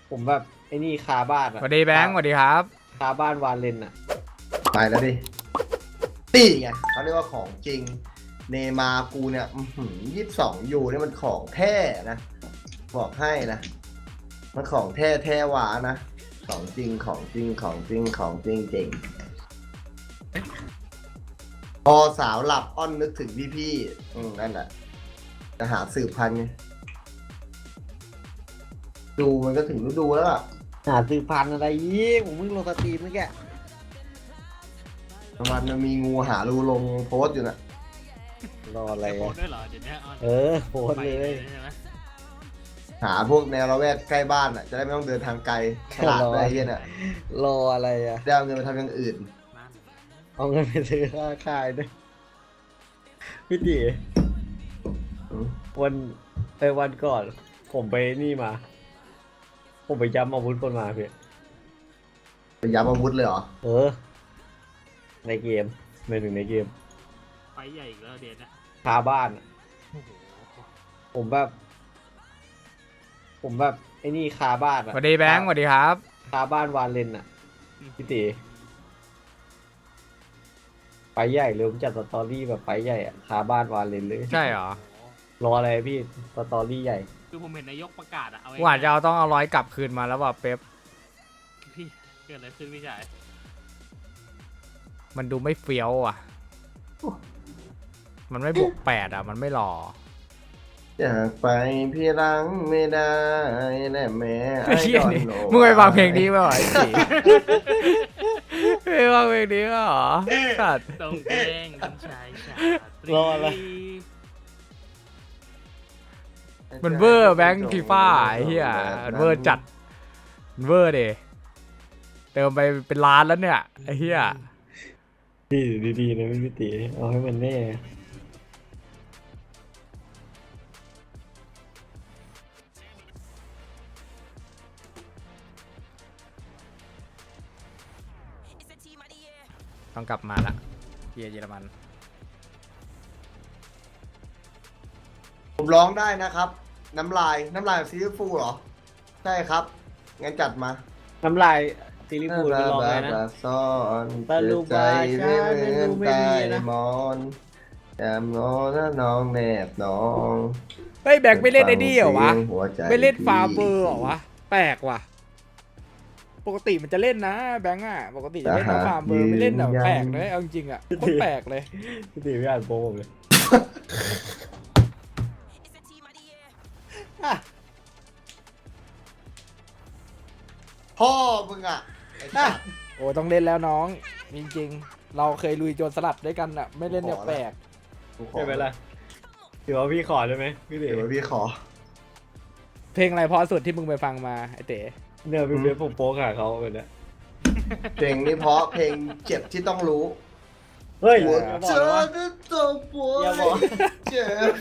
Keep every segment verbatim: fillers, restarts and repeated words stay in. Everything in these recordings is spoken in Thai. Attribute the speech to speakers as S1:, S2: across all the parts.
S1: ผมแบบไอ้นี่คาบ้าน
S2: ส
S1: อะ
S2: วัสดีแบงค์สวัสดีครับ
S1: คาบ้านวาเลนอะ
S3: ไปแล้วดินี่ไงเขาเรียกว่าของจริงเนมาร์กูเนี่ยยี่สิบสองยูเนี่ยมันของแท้นะบอกให้นะมันของแท้แท้หวานะของจริงของจริงของจริงของจริงจริงพอสาวหลับอ้อนนึกถึงพี่พี่ๆอืมนั่นแหละจะหาสืบพันธุ์ไงดูมันก็ถึงฤดูแล้วล่ะ
S1: หาซื้อพันธุ์อะไรยี่ผมเพิ่งลงสตรีมเมื่อกี้
S3: ประมาณมันมีงูหารูลงโพสต์อยู่น่ะ
S1: รออะไร
S4: โพส
S1: อะ
S4: ต์ด้วยเหรอเดี๋ยวนี้ออน
S1: เออโพสต์
S4: ไป
S1: เลย
S4: ใช่ไหม
S3: หาพวกแนวละแวกใกล้บ้านอ่ะจะได้ไม่ต้องเดินทางไกลตลาดอะไรเงี้ยน่ะ
S1: รออะไรอะ
S3: ได้เอาเงินไปทำอย่างอื่น
S4: นั่น
S1: เอาเงินไปซื้อค่าค่ายด้วยพี่ตี
S3: อืม
S1: วันไปวันก่อน ผมไปนี่มา ผมไปย้ำอาวุธคนมาพี่
S3: ไปยับอาวุธเลยเหรอ
S1: เออ ในเกมไม่ถึงในเกม
S4: ไฟใหญ่อีกแล้วเดี๋ยวนี้
S1: คาบ้านอะ
S4: โอ้โห
S1: ผมแบบ ผมแบบไอ้นี่คาบ้าน
S2: ส
S1: อะ
S2: วัสดีแบงค์สวัสดีครับ
S1: คาบ้านวาเลนอะพี่ตีไฟใหญ่เลยผมจัดสตอรี่แบบไฟใหญ่อะคาบ้านวาเลนเลย
S2: ใช่เหรอ
S1: รออะไรพี่สตอรี่ใหญ่
S4: คือผมเห็นนายกประกาศอะเอาไว้
S2: กูอาจจะเอาต้องเอาร้อยกลับคืนมาแล้วว่าเป๊ป
S4: พี่เกิดอะไรขึ้นพี่ชาย
S2: มันดูไม่เฟี้ยวอ่ะ มันไม่บวกแปดอ่ะ มันไม่หล่อ
S3: อยากไปพี่รังไม่ได้แน่แม่ไอ้
S2: เฮีย
S3: ดอน
S2: นี่
S3: โน
S2: มึงไปฟังเพลงนี้ไหมวะไอ้สิไปฟังเพลงนี้เหรอสัตว์
S4: ตรงเพลงคุณชายชาตรี
S1: รออะไร
S2: มันเวอร์แบงค์ฟีฟ่าไอ้เหี้ยมันเวอร์จัดมันเวอร์เดเติมไปเป็นล้านแล้วเนี่ยไอ้เหี้ย
S1: พี่ดีๆนะพี่ตีเอาให้มันแน่
S2: ต้องกลับมาละเฮียเยอรมัน
S3: ผมร้องได้นะครับ น้ำลายน้ำลายซีรีส์ฟูลเหรอ ใช่ครับ งั้นจัดมา
S1: น้ำลายซีรีส์พูดไปลองเลยนะ
S3: ซ่อน
S1: ตะลุบาชาไม่รู้ไม่มีนะ
S3: มอนแอมโนถ้าน้องแนบน้อง
S2: เฮ้ยแบงค์ไม่เล่นไอ้นี่เหรอวะ
S3: หัวใจ
S2: ไม่เล่นฟาเบอร์เหรอวะแปลกว่ะปกติมันจะเล่นนะแบงค์อ่ะปกติจะเล่นนะฟาเบอร์ไม่เล่นแบบแปลกเลยเอาจริงๆอ่ะโคตรแปลกเลย
S1: พี่ตีไม่อ่านโปรผมเลย
S3: พ่อมึงอ่ะไอ้สัตว์
S2: โอ้ต้องเล่นแล้วน้องจริงๆเราเคยลุยโจรสลัดด้วยกันอ่ะไม่เล่นเนี่ยแปลก
S3: กูขอ
S1: ใช่ไหมล่ะถือว่าพี่ขอได้ไหมพี่ตี
S3: เดี๋ยวพี่ขอ
S2: เพลงอะไรเพอสุดที่มึงไปฟังมาไอเต๋
S1: เนี่ยพี่เบสผมโป๊กหาเขาแบบเนี้ย
S3: เพลงนี้เพราะเพลงเจ็บที่ต้องรู้
S1: เฮ้ย
S3: หัว
S1: อย่าบ
S3: เจ
S1: อก
S3: อ
S1: นะว่า
S3: ด้วยตัวป่วย
S1: อย่าบอก
S3: เจ็บ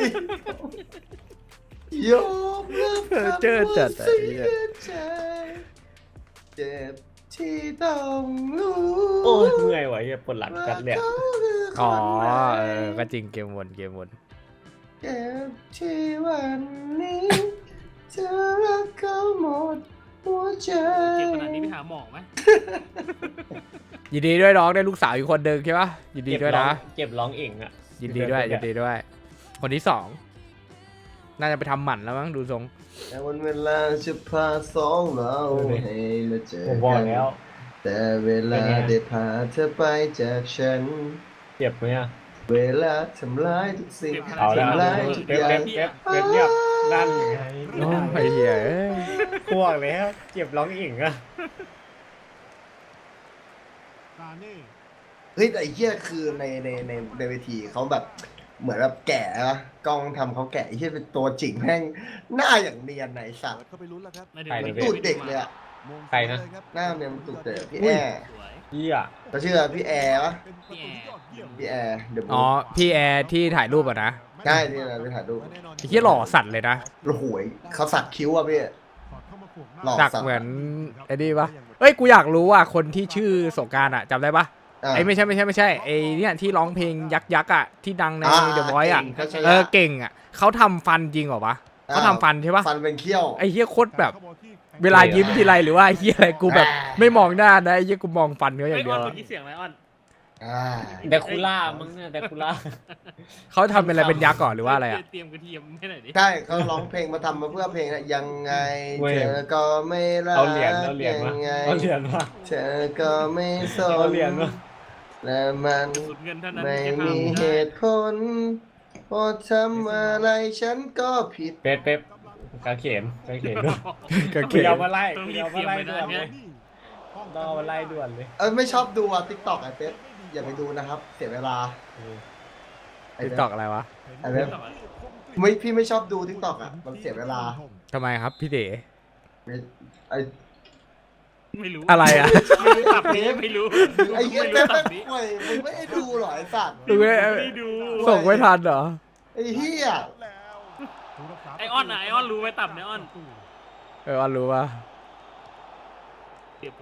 S3: ยอมรับ
S2: เจอจัด
S3: ว่า
S2: ไอ้
S3: เสี
S2: เหี้ย
S3: ยใจเจ็บที่ต้องรู้
S1: โอ้ยเมื่อยว่ะเฮียปวดหลังจัดเลยอะ
S2: อ๋อเออก็จริงเกมวนเกมวน
S3: เจ็บที่วันนี้เธอรักเขาหมดหัวใจ
S4: เจ็บขนาดนี้ไปหาหมอไหม
S2: ยินดีด้วยน้องได้ลูกสาวอีกคนหนึ่งใช่ปะยินดีด้วยนะ
S1: เก็บร้องเองอ่ะ
S2: ยินดีด้วยยินดีด้วย คนที่สองน่าจะไปทำหมันแล้วมั้งดูทรง
S3: แต่วันเวลาจะพาสองเราให้มาเจอ
S1: ผมบอก
S3: กัน
S1: แล้ว
S3: แต่เวลาได้พาเธอไปจากฉัน
S1: เจ็บไหมอ่ะ
S3: เวลาทำร้ายทุกสิ่ง
S1: เอาแล้ว
S3: ทำร้ายทุก
S1: เป๊ป
S3: อย่าง
S1: เป๊ปเป๊ปเป๊ปเงียบนั่นไง
S2: โอ้ยไอ้เหี้ยเอ้ย
S1: พวกแล้วเจ็บร้องเองอ่ะ
S3: เฮ้ยแต่ไอ้เหี้ยคือในในในในเวทีเขาแบบเหมือนแบบแก่อะกล้องทำเขาแก่ไอ้เหี้ยเป็นตัวจริงแม่งหน้าอย่างเนียนไหนสัตว์
S5: เข้าไปลุ้นแล้วครับ
S4: ไม่
S3: เห
S4: ได้
S3: มือน
S4: ไม่
S3: ตูด
S4: ไ
S3: เด็กเลยอะ
S5: มง
S1: ใครนะ
S5: เลยครับ
S3: หน้าเนี่ยมันตูดเด็กพี่แอร์
S4: สวย
S1: เฮีย
S3: เขาชื่อพี่แอร์ปะ
S5: เป็นประตูที่ยอดเยี่ยม
S3: พี่แอร์เดอะ
S2: อ๋อพี่แอร์ที่ถ่ายรูปอะนะ
S3: ใช่ที่เราไปถ่ายรูป
S2: ไอ้เหี้ยหล่อสัตว์เลยนะ
S3: โอ้โหยเขาสักคิ้วอะพี่ หล่อ
S2: สักเหมือนไอ้นี่ปะเอ้ยกูอยากรู้ว่าคนที่ชื่อสงกรานต์อะจำได้ปะ
S3: อ่ะ
S2: ไอ้ไม่ใช่ไม่ใช่ไม่ใช่ไอ้เนี่ยที่ร้องเพลงยักษ์ยักษ์อะที่ดังใน
S3: อ่า
S2: เดอะ o อย c e อะ
S3: เก่งทัชยะ
S2: เออเก่งอะเขาทำฟันจริงเหรอวะเขาทำฟันใช่ปะ
S3: ฟันเป็นเขี้ยว
S2: ไอ้เหี้ยโคตรแบบเวลายิ้มทีไรหรือว่าไอ้เหี้ยอะไรกูแบบไม่มองหน้านะไอ้เหี้ยกูมองฟันเขาอ
S4: ไอ้
S2: ย่าง
S4: อ
S2: เดี
S4: อย น
S2: ว
S4: เมื่
S2: อะ
S4: อกี้เสียงอะไรออน
S3: อ่า
S1: แดกคูล่ามึงเนี่ยแดกคูล่า
S2: เขาทำเป็นอะไรเป็นยักษ์ก่อนหรือว่าอะไรอะ
S4: เตรียมกระเทียมให้หน่อยดิ
S3: ใช่เขาร้องเพลงมาทำมาเพื่อเพลงอะยังไง
S1: เว้ย
S3: เธอก็ไม่รัก
S1: เอาเหรียญเอาเหรียญ
S3: ยั
S1: มาง
S3: ไง
S1: เอาเหรียญมา
S3: เธอก็ไม่ส
S1: เอา
S3: น
S1: เหรียญมา
S3: และมัน
S4: สุดเงินเท่านั้น
S3: ไม่
S4: ที่จะ
S3: มี
S4: ทำ
S3: เห
S4: ได้
S3: ตุผลเพราะทำอะไรฉันก็ผิด
S1: เป๊ปเป๊ปกางเขนกางเขนด้วย
S2: กางเข
S1: กู
S2: น
S1: ยาวมาไล่
S4: ต้อง
S1: กู
S4: รี
S1: ยา
S4: บ
S1: ว
S4: เต
S1: มา
S4: รียม
S1: ไล่
S4: ไป
S1: ด่วน
S4: นะ
S1: เล
S4: เนี่ย
S1: ยต้องเอามาไล่ด่วนเลย
S3: เออไม่ชอบดูอ่ะติ๊กต็อกไอ้เป๊ปอย่าไปดูนะครับ เสียเวลาไอ้
S2: ติ๊ก
S3: เป๊ป
S2: ตอกอะไรวะ
S3: ไอ้เป๊ปไม่พี่ไม่ชอบดูติ๊กต็อกอ่ะมันเสียเวลา
S2: ทำไมครับพี่เด๋
S3: ไม่ไอ้
S4: ไม่รู้
S2: อะไรอะ
S4: ไม่รู้ตับนี้ไม่รู้
S3: ไอ้เหี้ย
S4: ไม่
S3: เป๊ป
S4: รู้
S3: ไม่
S4: ตับนี้
S3: ป่วยมึงไม่ได้ดูเหรอไอ้สัตว์
S2: ดูไม่
S4: ไม่ได้ดู
S2: ส่งไม่ทันเหรอ
S3: ไอ้เหี้ย
S4: ไอออนอะไอออนรู้ไหมตับเนี่ยออน
S2: เอออันรู้ว่า
S4: เก็บ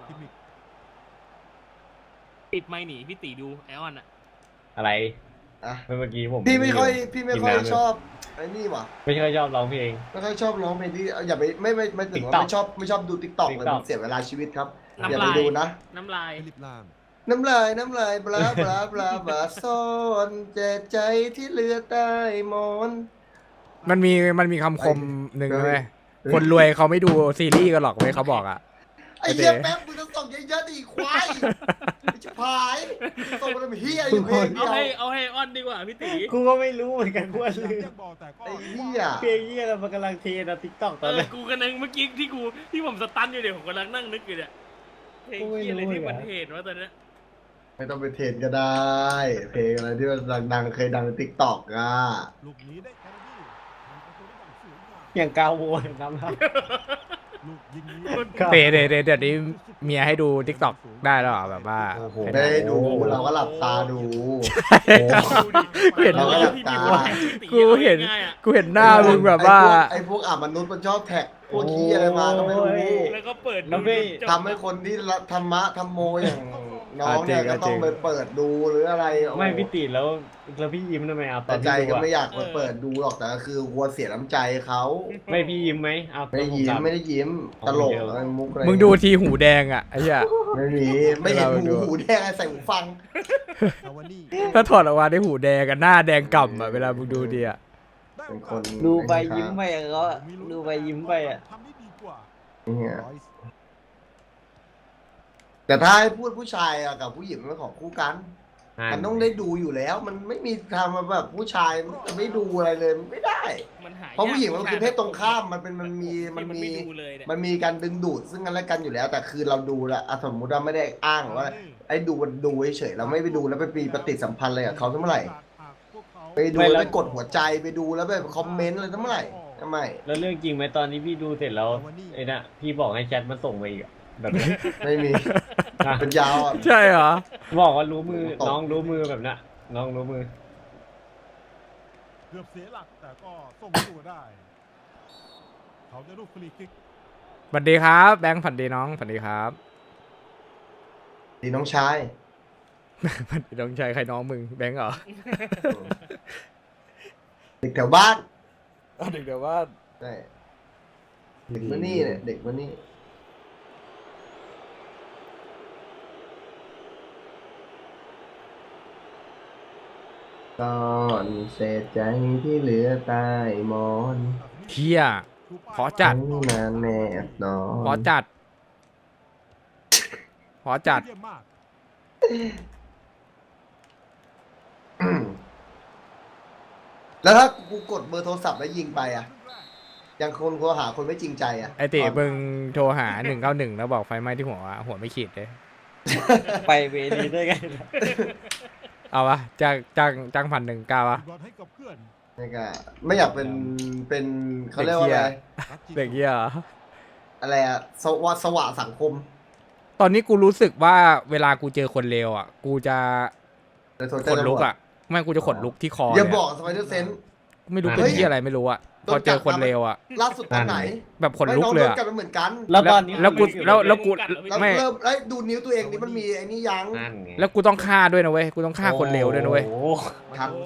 S4: ปิดไมค์หนีพี่ตีดูไอออนอะ
S1: อะไร
S3: อ่ะ
S1: เมื่อกี้ผม
S3: พี่ไม่ค่อยพี่ไม่ค่อย
S1: กินน้ำ
S3: ชอบไอ้นี่ว่ะ
S1: ไม่ค่อยชอบร้องเพลง
S3: ไม่ค่อยชอบร้องเพลงที่อย่าไปไม่ไม่ไม่ถึงว่า
S1: TikTok
S3: ไม่ชอบไม่ชอบดูติ๊กต็อกเลย
S1: TikTok
S3: มันเสียเวลาชีวิตครับ
S4: น้ำ
S3: อย่าไป
S4: ลาย
S3: ดูนะ
S4: น้ำลาย
S3: น้ำลายน้ำลายบลาบลาบลาบลาซ่อนเจ็บใจที่เหลือใต้หมอน
S2: มันมีมันมีคำคมหนึ่ง
S3: เฮ้ย
S2: ไหมคนรวยเขาไม่ดูซีรีส์กันหรอกเว้ยเขาบอกอ่ะ
S3: ไอ้เหี้ยแป๊บมึงต้องส่งเยอะๆดิควายจะพายส่งมาทำเหี้ยอยู่เพลงเดี
S4: เอา
S3: ยว
S4: ให้เอาให้ออนดีกว่าพี่ตี
S1: กูก็ไม่รู้เหมือนกันกูว่าลืม
S3: ไอ้เหี้ย
S1: เพลงเยี่ยเรามันกำลังเทนะทิกตอกต
S4: เอ
S1: อน
S4: อ
S1: นี้
S4: กูกำลังเมื่อกี้ที่กูที่ผมสตันอยู่เดี๋ยวผมกำลังนั่งนึกอยู่เนี่ยเพลงที่อะไรที่มันเหตุว่าตอนเนี้ย
S3: ไม่ต้องไปเทรนก็ได้ เพลงอะไรที่มันดังๆเคยดังในติ๊กต็อกอ่ะ
S5: ลูกนี้ได้แคนาดีมันประตูได้อย่างสวยงาม
S1: อย่างกาโวยน้ำลาย
S5: ลูกยิงนี้
S1: ครับ
S2: เดเดเดเดี๋ยวนี้เมียให้ดูทิกตอกได้แล้วเหรอแบบว่า
S1: โอ้โห
S3: ไม่ได้ดูเราก็หลับตาดู
S4: ดูดิ
S2: เห็น
S3: เราก็หลับตา
S2: กูเห็น กูเห็นหน้ามึงแบบว่า
S3: ไอ้พวกอ่ะมนุษย์มันชอบแท็กพวกขี้อะไรมาก็ไม่รู้
S4: แล้วก็เปิด
S1: แล้วไม่
S3: ทำให้คนที่ละธรรมะธรรมโมอย่างน้องเนี่ย
S2: อ่ะจริง
S3: ก็ต้องไปเปิดดูหรืออะไรโอ้
S1: ไม่พี่ติแล้วแล้วพี่ยิ้มทำไมเอาตอ
S3: แต่
S1: น
S3: ใจ
S1: ที่ดู
S3: ก็
S1: อะ
S3: ไม่อยากไปเปิดดูหรอกแต่ก็คือกลัวเสียน้ำใจเขา
S1: ไม่พี่ยิ้มไหมเอา
S3: ไม่ยิ้มไม่ได้ยิ้มตลกอะไรมุกอะไร
S2: มึงดูทีหูแดงอ่ะไอ้เหี้ย
S3: ไม่มีไม่เห็น
S2: เรา
S3: หู
S2: ดู
S3: หูแดงอะไรใส่หูฟัง
S5: คาวานี่
S2: ถ้าถอดออกมาได้หูแดงกับหน้าแดงก่ำอ่ะเวลามึงดูดีอ่ะ
S3: เป็นคน
S1: ดูไปยิ้มไปอะเขาอะดูไปยิ้มไปอะ
S5: ทำได้ดีกว่า
S3: เนี่ย
S5: ร้อยส์
S3: แต่ถ้าให้พูดผู้ชายอะกับผู้หญิงมันเป็นของคู่กัน มันต้องได้ดูอยู่แล้ว มันไม่มีทางมาแบบผู้ชายมันจะไม่ดูอะไรเลยมันไม่ได้
S4: มันหาย
S3: เพราะผู้หญิงมันคือเพศตรงข้ามมันเป็นมันมีมันมี
S4: ไดูเลยเนี่ย
S3: มันมีการดึงดูดซึ่งกันและกันอยู่แล้ว แต่คือเราดูแลวอ่ะสมมุติว่าไม่ได้อ้างว่าไอ้ดูมันดูเฉยๆเราไม่ไปดูแล้วไปมีปฏิสัมพันธ์อะไรกับเขาเมื่อไหร่
S5: พวกเขา
S3: ไปดู
S1: ไม่แล้
S3: แล้ว วไปกดหัวใจไปดูแล้วไปคอมเมนต์อะไรเมื่อไหร่ทำไม
S1: แล้วเรื่องจริงไหมตอนนี้พี่ดูเสร็จแล้วไอ้น่ะพี่บอกให้แชทมันส่งมาอีกอะแบบนี้
S3: ไม่มี
S1: นะ
S3: เป็นยาวอ่ะ
S2: ใช่เหรอ
S1: บอกว่ารู้มือ
S3: ตก
S1: น้องรู้มือแบบน่ะน้องรู้มือ
S5: เกือบเสียหลักแต่ก็ส่งตัวได้ เขาจะลูกฟรีคิก
S2: สวัสดีครับแบงค์ฝันดีน้องฝันดีครับ
S3: ดีน้องชาย
S2: ฝันดีน้องชายใครน้องมึงแบงค์เหรอ
S3: เด็กแถวบ้าน
S2: เอาเด็กเดี๋ยวว่า
S3: ใช่เด็กมานี่เนี่ยเด็กมานี่ก่อนเศษใจที่เหลือใต้หมอน
S2: เที่ย ขอจัด
S3: ทั้งนานแนบนอน
S2: ขอจัด ขอจัด
S5: เยี่ยมมาก
S3: อืมแล้วถ้ากูกดเบอร์โทรศัพท์แล้วยิงไปอ่ะ ยังคนโทรหาคนไม่จริงใจอ่ะ
S2: ไอติมึงโทรหาหนึ่งเก้าหนึ่งแล้วบอกไฟไหม้ที่หัววะหัวไม่ขีดเลย
S1: ไปเวทีได้ไง
S2: เอาวะจ้างจ้างจ้างพันหนึ่งเก้าวะ
S5: บอลให้กับเพื่อน
S3: นี่ก็ไม่อยากเป็นเป็นเขาเรียกว่าอะไร
S2: เด็กเหี้ยเหรอ
S3: อะไรอะสวะสวะสังคม
S2: ตอนนี้กูรู้สึกว่าเวลากูเจอคนเลวอ่ะ กูจะ
S3: ในโซ
S2: ข
S3: เชียล
S2: นลุกอ่ะไม่กูจะขนลุกที่คอ
S3: อย่า
S2: เลย
S3: บอก
S2: อะ
S3: สไปเดอร์เซน
S2: ไม่รู้เป็นที่อะไรไม่รู้อ่ะพอเจอคนเลวอ่ะ
S3: ล่าสุดตอนไหน
S2: แบบขนลุกเลย
S3: ไม่น้อง
S2: อะ
S3: โดนกัดมาเหมือนกัน
S1: แล้วตอนนี้
S2: แล้วกูแล้วแล้วกู
S3: แล้ว
S2: ไม่
S3: เริ่มไอ้ยดูนิ้วตัวเองนี่มันมีไอ้นี่ยัง
S1: นั่นไง
S2: แล้วกูต้องฆ่าด้วยนะเว้ยกูต้องฆ่าคนเลวด้วยนะเว้ย
S1: โอ้โห
S3: ทัน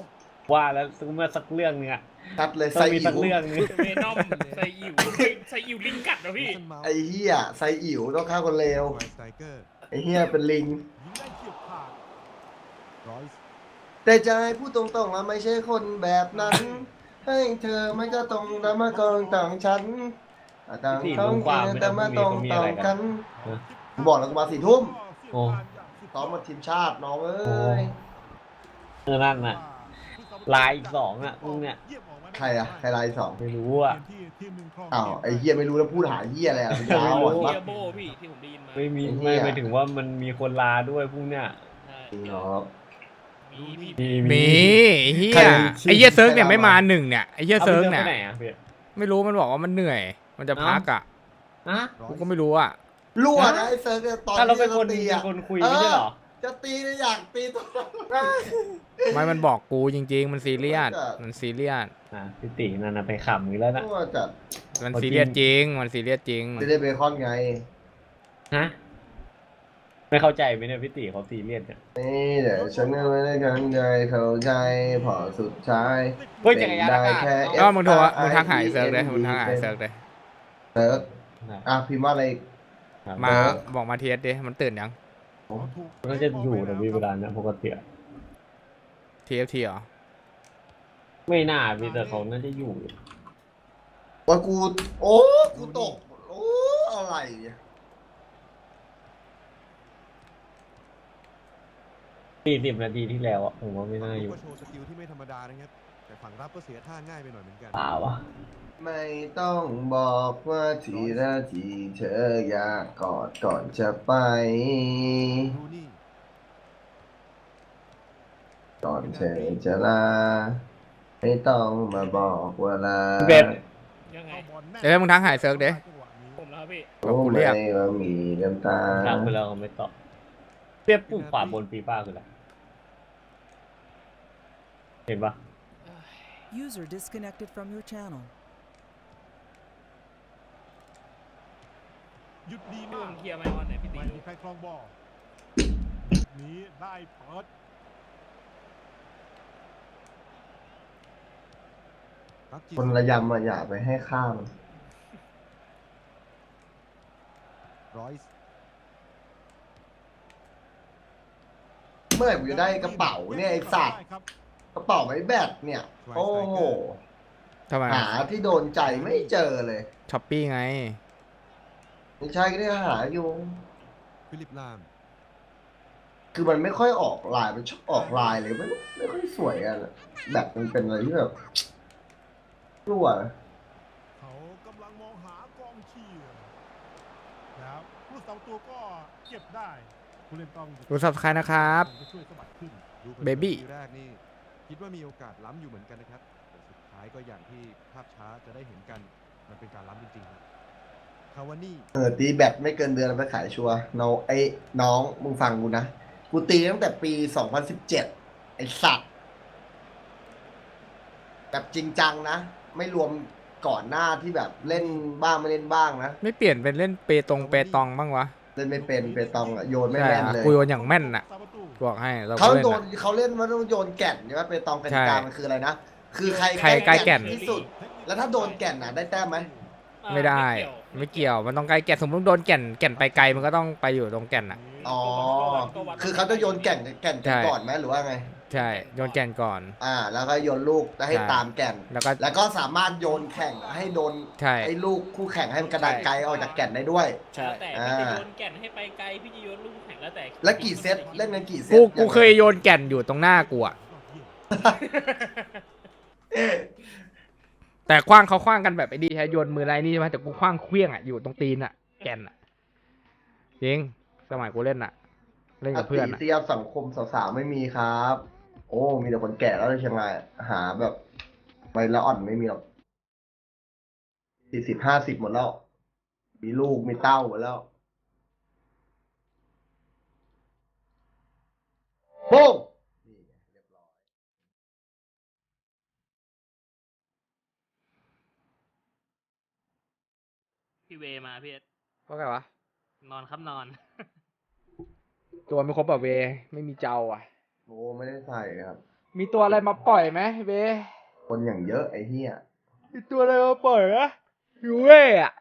S1: ว่าแล้วเมื่อสักเรื่องนึงอะ
S3: ชัดเลย
S1: ต้อ
S3: ไซ
S1: งมี
S3: อิ๋
S1: สัก
S3: ว
S1: เรื่องนึง
S4: เวนอมไซอิ๋วไซอิ๋วลิงกัดนะพี่
S3: ไอ้เหี้ยไซอิ๋วต้องฆ่าคนเลว
S5: สไตรเกอร์
S3: ไอ้เหี้ยเป็นลิง
S5: ยิงได้เฉียบขาดรอยส์
S3: แต่ใจพูดตรงๆว่าไม่ใช่คนแบบนั้น ให้เธอไม่ก็ตรงแต่มากองต่างฉันต่าง
S1: สี่
S3: ท้อ
S1: โม
S3: ง
S1: งกว่าไม่
S3: แต่
S1: ได้
S3: มา
S1: พรุ่ง
S3: ต
S1: นี้
S3: รง
S1: เขามี
S3: ต่
S1: อะไร
S3: าง
S1: กั
S3: กัน น
S1: เออ
S3: กูบอกแล้วกูมาสี่ทุ่ม
S1: โอ้
S3: ซ้อมมาทีมชาติน้องเอ้
S1: โอ้
S3: ย
S1: เออนั่นน่ะ ลายอีกสองอะพวกเนี่ย
S3: ใครอะใครลายสอง
S1: ไม่รู้อะ
S3: อ้าวไอ้เหี้ยไม่รู้แล้วพูดหาเหี้ยอะไรอะมันยาวอ่ะ
S1: ไม่รู้
S4: เฮี
S3: วะ
S4: ยโบพี่ที่ผมได้ยินมา
S1: ไม่มี
S3: ไอ้เหี้
S1: ไม่
S3: ย
S1: ไปถึงว่ามันมีคนลาด้วยพวกเนี้ย
S4: ใช่
S3: จริงเหรอ
S4: มีพี่
S1: มี
S2: มีไอ้เฮี
S3: ใคร
S2: ย
S3: ชื่อ
S2: ไอ้เฮียเซิร์กเนี่ย
S3: ใคร
S2: ไม่
S3: มา
S2: มาหนึ่งเนี่ยไอ้เฮีย
S1: เอา
S2: เซิร์ก
S1: ไป
S2: เนี่ย
S1: ไปไหนอะพี่
S2: ไม่รู้มันบอกว่ามันเหนื่อย มันจะพักอ่ะ
S1: อะ
S2: กูก็ไม่รู้อ่ะ
S3: รั่วนะไอ้เซิร์ฟเนี่ยตอน
S1: ถ้าเรา
S3: ที่
S1: เป็นคน
S3: จะตี
S1: เป็
S3: อะ
S1: นคนคุยไม่ใช่เหรอ
S3: จะตีเนี่ยอยากตีตัว
S2: ไม่มันบอกกูจริง ๆ มันซีเรียส
S3: จัด
S2: มันซีเรียส
S1: อ่ะพี่ตินั่นน่ะไปขำอีกแล้วนะ
S3: รั่วจัด
S2: มัน
S1: เอาจริง
S2: ซีเรียสจริง มันซีเรียสจริง
S3: ไม่ได้เบคอนไง
S1: ฮะไม่เข้าใจไหมเนี่ยพี่ติเขาซีเรียสเนี่ย
S3: นี่เดี๋ยวฉันก็ไม่ได้กันใจเข้าใจพอสุดท้าย
S1: เฮ้ยจักรยานอากาศ
S3: ได้แค่
S2: ก็มึงโทร
S3: F I
S2: มึงทักหายเซิร์กเลยมึงทักหายเซิร์กเลย
S3: เซิร์ฟอ่ะพิมพ์ว่าอะไรอีก
S2: มา
S3: เซิร์ก
S2: บอกมาเทสดิมันตื่นยัง
S1: มันก็จะอยู่แต่มีเวลานะปกติอะ
S2: ที เอฟ ที เหรอ
S1: ไม่น่ามีแต่เขาน่าจะอยู่
S3: ว่ากู โอ้กูตก โอ้อะไรเนี่ย
S1: สี่สิบนาทีที่แล้วอะผมว่าไม่น่าอยู่
S5: ก็โชว์สกิลที่ไม่ธรรมดานะครับ แต่ฝั่งรับก็เสียท่าง่ายไปหน่อยเหมือนกัน
S1: เปล่าวะ
S3: ไม่ต้องบอกว่าทีละทีเธออยากกอดก่อนจะไป
S5: ดูนี่
S3: ก่อนเธอจะลา ไม่ต้องมาบอกเวลา
S1: เบ็ด
S4: ยังไง
S2: เดี๋ยวมึงทักหายเซิร์กดิ
S4: ผมแล้วพี่
S2: บอกกูเรียก
S3: รู้ไหมว่ามีน้ำตา
S1: ทางไปแล้วเขาไม่ตอบเรียบปุ่มขวาบนฟีฟ่าคืออะไรเห็นปะ
S6: User disconnected from your channel.
S5: หยุดดี
S4: พี่
S5: มา
S4: ผ
S5: ก
S4: มเคลียร์ไมค์ออนไหนอยพี่ตี
S5: ไม่
S4: ดู
S5: มีใครครองบอลนี้ได้เปิดรับจี
S3: คนระยำอ่ะอย่าไปให้ข้าม
S5: รอยส์
S3: เมื่อไหร่กูจะได้กระเป๋าเนี่ยไอ้สัตว์
S5: ครับ
S3: กระเป๋าไม้แบตเนี่ย โอ้โห
S2: ทำไม
S3: หาที่โดนใจไม่เจอเลย
S2: ช้อปปี้ไง
S3: ไม่ใช่ก็ได้หาอยู่
S5: ฟิลิปลาม
S3: คือมันไม่ค่อยออกลาย มันชอบออกลายเลยไม่ไม่ค่อยสวยอ่ะแบบมันเป็นอะไรที่แบบรั่วนะ
S5: เขากำลังมองหากองเชียร์แล้วผู้สองตัวก็เก็บได้ผู้เล่นต้อง
S2: ดู Subscribe นะครับ
S5: จะช่วยสะบัดขึ้นดูผินๆ
S2: Baby
S5: ทีแรกนี่คิดว่ามีโอกาสล้ำอยู่เหมือนกันนะครับแต่สุดท้ายก็อย่างที่ภาพช้าจะได้เห็นกันมันเป็นการล้ำจริงๆครับคาวานี่
S3: เออตีแบตไม่เกินเดือนไปขายชัวร์น้องไอ้น้องมึงฟังกูนะ กูตีตั้งแต่ปีสองพันสิบเจ็ดไอ้สัตว์แบบจริงจังนะ ไม่รวมก่อนหน้าที่แบบเล่นบ้างไม่เล่นบ้างนะ
S2: ไม่เปลี่ยนเป็นเล่นเปตงเปตองบ้างวะ
S3: เล่นไม่เป็นเปตองอะโยนไม่
S2: ใช่
S3: แม่น
S2: อะ
S3: เลย
S2: กูโยนอย่างแม่นน่ะ
S5: ซาบาตู
S2: บอกให้เรา
S3: เขา
S2: ก็เล่น
S3: โดน
S2: อะ
S3: เขาเล่นว่าต้องโยนแก่นใช่ไหมเปตองกติกา
S2: ใช่
S3: มันคืออะไรนะ คือใคร
S2: ใครใกล้แก่น
S3: ที่สุด แล้วถ้าโดนแก่นน่ะได้แต้มไหม
S2: ไม่ได้ ไม่เกี่ยว มันต้องใกล้แก่น สมมติโดนแก่น แก่นไปไกล มันก็ต้องไปอยู่ตรงแก่นอ่ะ
S3: อ๋อ คือเขาจะโยนแก่นแก่น
S2: ใช่
S3: ก่อนไหมหรือว่าไง
S2: ใช่ โยนแก่นก่อน
S3: อ่า แล้วก็โยนลูกแล้วให้
S2: ใช่
S3: ตามแก่น
S2: แล้วก็
S3: แล้วก็สามารถโยนแข่งให้โดน
S2: ใช่
S3: ไอ้ลูกคู่แข่งให้มันกระดานไกลออกจากแก่นได้ด้วย
S1: ใช่
S4: แล้วแต่
S3: อ่า
S4: พี่จะโยนแก่นให้ไปไกลพี่จะโยนลูกแข่งแล้วแต่
S3: แล้วกี่เซตเล่นกันกี่เซต
S2: กู กู
S3: าง
S2: เคยโยนแก่นอยู่ตรงหน้ากูอ่ะ แต่คว้างเขาคว้างกันแบบไอ้ดีใช้โยนมือไรนี่ใช่ไหมแต่กูคว้างเคลี้ยงอ่ะ อยู่ตรงตีนอ่ะ แก่นอ่ะ จริง สมัยกูเล่นอ่ะ เล่นกับเพื่อน
S3: ติ
S2: อ่ะ
S3: เทียบสังคมสาวๆไม่มีครับ โอ้ มีแต่คนแก่แล้วในเชียงรายหาแบบไปละอ่อนไม่มีหรอกสี่สิบห้าสิบหมดแล้ว มีลูกมีเต้าหมดแล้วโป้งนี่ไงเรียบร้อย
S4: พี่เวมาพี่เอส
S2: ว่าไงวะ
S4: นอนครับนอน
S2: ตัวไม่ครบแบบเว ไม่มีเจ้าอ่ะ
S3: โอ้ไม่ได้ใส่ครับ
S2: มีตัวอะไรมาปล่อยไหมเบ
S3: คนอย่างเยอะไอ้เหี้ย
S2: มีตัวอะไรมาปล่อยนะยูเว่อะ